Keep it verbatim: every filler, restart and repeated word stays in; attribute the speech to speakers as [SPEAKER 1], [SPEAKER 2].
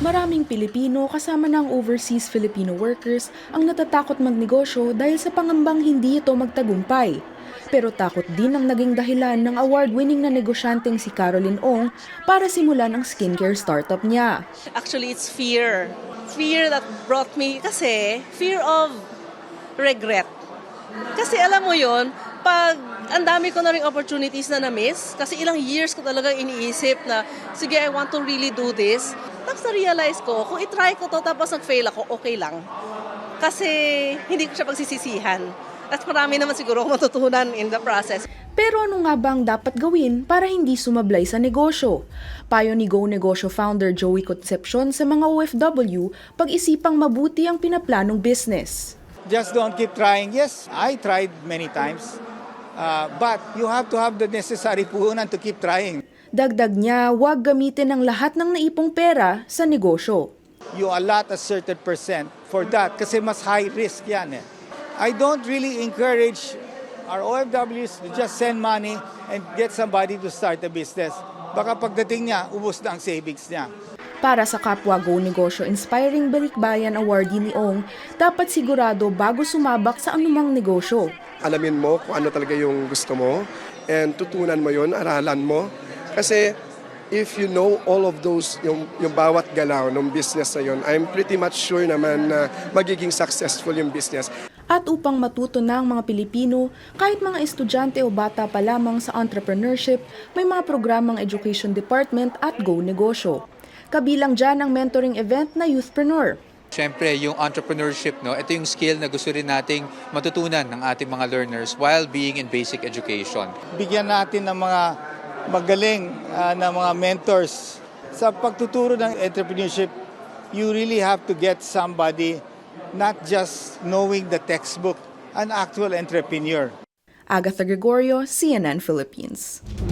[SPEAKER 1] Maraming Pilipino kasama ng overseas Filipino workers ang natatakot magnegosyo dahil sa pangambang hindi ito magtagumpay. Pero takot din ang naging dahilan ng award-winning na negosyanteng si Caroline Ong para simulan ang skincare startup niya.
[SPEAKER 2] Actually, it's fear. Fear that brought me, kasi fear of regret. Kasi alam mo yon, pag ang dami ko na rin opportunities na na-miss, kasi ilang years ko talaga iniisip na, sige, I want to really do this. Tapos na-realize ko, kung itry ko to tapos nag-fail ako, okay lang. Kasi hindi ko siya pagsisisihan. At marami naman siguro akong matutunan in the process.
[SPEAKER 1] Pero ano nga ba ang dapat gawin para hindi sumablay sa negosyo? Payo ni Go Negosyo founder Joey Concepcion sa mga O F W, pag-isipang mabuti ang pinaplanong business.
[SPEAKER 3] Just don't keep trying. Yes, I tried many times. Uh, but you have to have the necessary puhunan to keep trying.
[SPEAKER 1] Dagdag niya, huwag gamitin ang lahat ng naipong pera sa negosyo.
[SPEAKER 3] You allot a certain percent for that kasi mas high risk yan eh. I don't really encourage our O F Ws to just send money and get somebody to start a business. Baka pagdating niya, ubos na ang savings niya.
[SPEAKER 1] Para sa kapwa Go Negosyo Inspiring Balikbayan awardee ni Ong, dapat sigurado bago sumabak sa anumang negosyo.
[SPEAKER 4] Alamin mo kung ano talaga yung gusto mo and tutunan mo yun, aralan mo. Kasi if you know all of those, yung, yung bawat galaw ng business na yun, I'm pretty much sure naman na magiging successful yung business.
[SPEAKER 1] At upang matuto na ang mga Pilipino, kahit mga estudyante o bata pa lamang sa entrepreneurship, may mga programang Education Department at Go Negosyo. Kabilang dyan ang mentoring event na Youthpreneur.
[SPEAKER 5] Siyempre, yung entrepreneurship, no, ito yung skill na gusto rin nating matutunan ng ating mga learners while being in basic education.
[SPEAKER 3] Bigyan natin ng mga magaling uh, na mga mentors. Sa pagtuturo ng entrepreneurship, you really have to get somebody not just knowing the textbook, an actual entrepreneur.
[SPEAKER 1] Agatha Gregorio, C N N Philippines.